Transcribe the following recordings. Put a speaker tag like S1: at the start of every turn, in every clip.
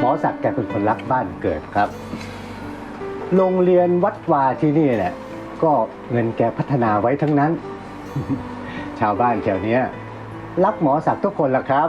S1: มอศักดิ์แกเป็นคนรักบ้านเกิดครับ โรงเรียนวัดวาที่นี่แหละก็เงินแกพัฒนาไว้ทั้งนั้น ชาวบ้านแถวเนี้ยรักหมอศักดิ์ทุกคนละครับ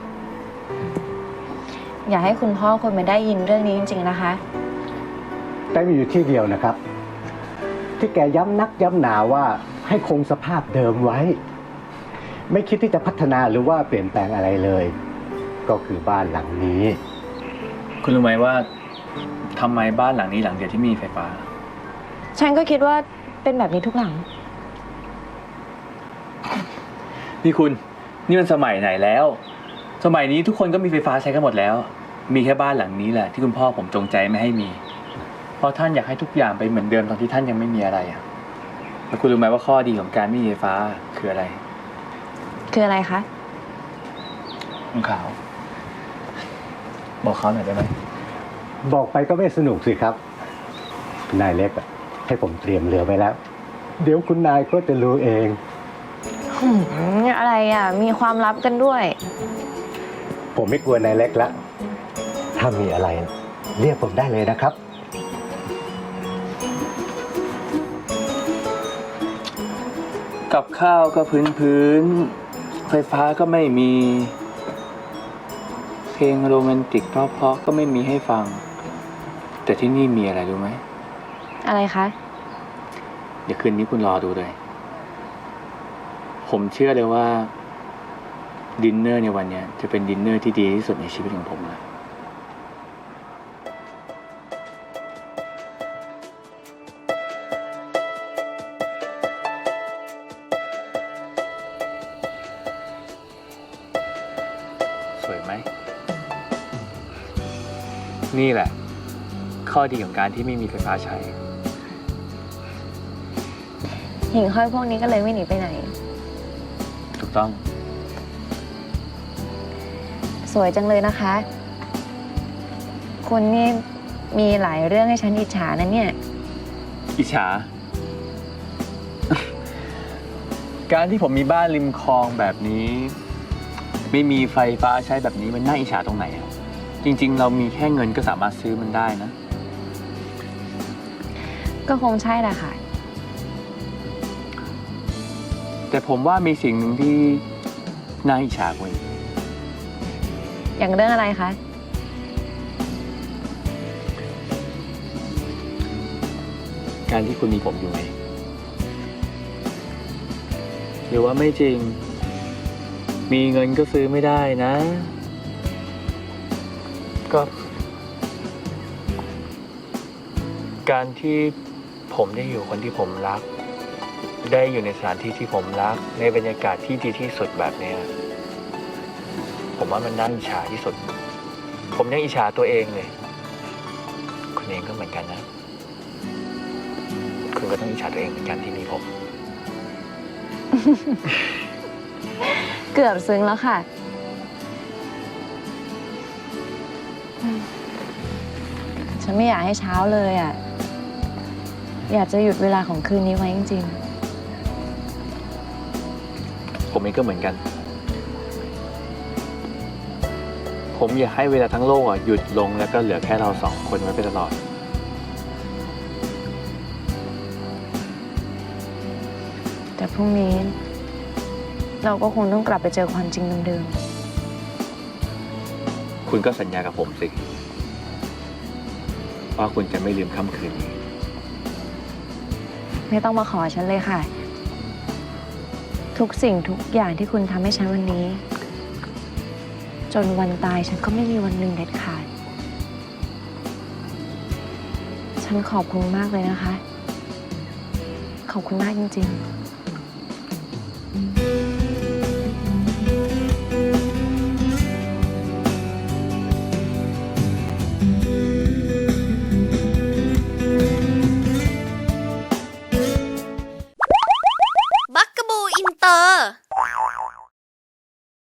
S2: อย่าให้คุณพ่อคนมาได้ยินเรื่องนี้จริงๆนะคะ
S1: แต่มีอยู่ที่เดียวนะครับ ที่แกย้ำนักย้ำหนาว่าให้คงสภาพเดิมไว้ ไม่คิดที่จะพัฒนาหรือว่าเปลี่ยนแปลงอะไรเลย ก็คือบ้านหลังนี้
S3: คุณรู้ไหมว่าทำไมบ้านหลังนี้หลังเดียวที่มีไฟฟ้า
S2: ฉันก็คิดว่าเป็นแบบนี้ทุกหลัง
S3: นี่คุณนี่มันสมัยไหนแล้ว สมัยนี้ทุกคนก็มีไฟฟ้าใช้กันหมดแล้ว มีแค่บ้านหลังนี้แหละที่คุณพ่อผมจงใจไม่ให้มี เพราะท่านอยากให้ทุกอย่างไปเหมือนเดิมตอนที่ท่านยังไม่มีอะไรอ่ะแล้วคุณรู้ไหมว่าข้อดีของการไม่มีไฟฟ้าคืออะไร
S2: คืออะไรคะ
S3: คุณขาว บอกเขาหน่อยได้ไหม
S1: บอกไปก็ไม่สนุกสิครับนายเล็กอะให้ผมเตรียมเรือไว้แล้ว เดี๋ยวคุณนายก็จะรู้เอง
S2: อะไรอ่ะ มีความลับกันด้วย
S1: ผมไม่กลัวนายเล็กละถ้ามีอะไรเรียกผมได้เลยนะครับ
S3: กับข้าวก็พื้นไฟฟ้าก็ไม่มี เพลงโรแมนติกเพราะๆก็ไม่มีให้ฟัง แต่ที่นี่มีอะไรรู้ไหม
S2: อะไรคะ
S3: เดี๋ยวคืนนี้คุณรอดูเลย ผมเชื่อเลยว่าดินเนอร์ในวันนี้จะเป็นดินเนอร์ที่ดีที่สุดในชีวิตของผมเลยสวยไหม นี่แหละ ข้อดีของการที่ไม่มีไฟฟ้าใช้
S2: หิ่งห้อยพวกนี้ก็เลยไม่หนีไปไหน
S3: ถูกต้อง
S2: สวยจังเลยนะคะ คุณนี่มีหลายเรื่องให้ฉันอิจฉานะเนี่ย
S3: อิจฉา การที่ผมมีบ้านริมคลองแบบนี้ ไม่มีไฟฟ้าใช้แบบนี้มันน่าอิจฉาตรงไหนอะจริงๆ เรามีแค่เงินก็สามารถซื้อมันได้นะ
S2: ก็คงใช่แหละค่ะ
S3: แต่ผมว่ามีสิ่งหนึ่งที่น่าอิจฉากว่าอีก
S2: อย่างเรื่องอะไรคะ
S3: การที่คุณมีผมอยู่ไงหรือว่าไม่จริง มีเงินก็ซื้อไม่ได้นะ ก็ การที่ผมได้อยู่คนที่ผมรัก ได้อยู่ในสถานที่ที่ผมรัก ในบรรยากาศที่ดีที่สุดแบบเนี้ยผมว่ามันน่าอิจฉาที่สุด ผมยังอิจฉาตัวเองเลย คุณเองก็เหมือนกันนะ คุณก็ต้องอิจฉาตัวเองเหมือนกันที่มีผม
S2: เกือบซึ้งแล้วค่ะ ฉันไม่อยากให้เช้าเลยอ่ะ อยากจะหยุดเวลาของคืนนี้ไว้จริง
S3: ผมเองก็เหมือนกัน ผมอยากให้เวลาทั้งโลกหยุดลงแล้วก็เหลือแค่เราสองคนไว้ไปตลอด
S2: ๆ แต่พรุ่งนี้ เราก็คงต้องกลับไปเจอความจริงเดิม
S3: คุณก็สัญญากับผมสิ ว่าคุณจะไม่ลืมค่ำคืนนี้
S2: ๆ ไม่ต้องมาขอฉันเลยค่ะ ทุกสิ่งทุกอย่างที่คุณทำให้ฉันวันนี้ จนวันตายฉันก็ไม่มีวันหนึ่งเด็ดขาด ฉันขอบคุณมากเลยนะคะ ขอบคุณมากจริงๆ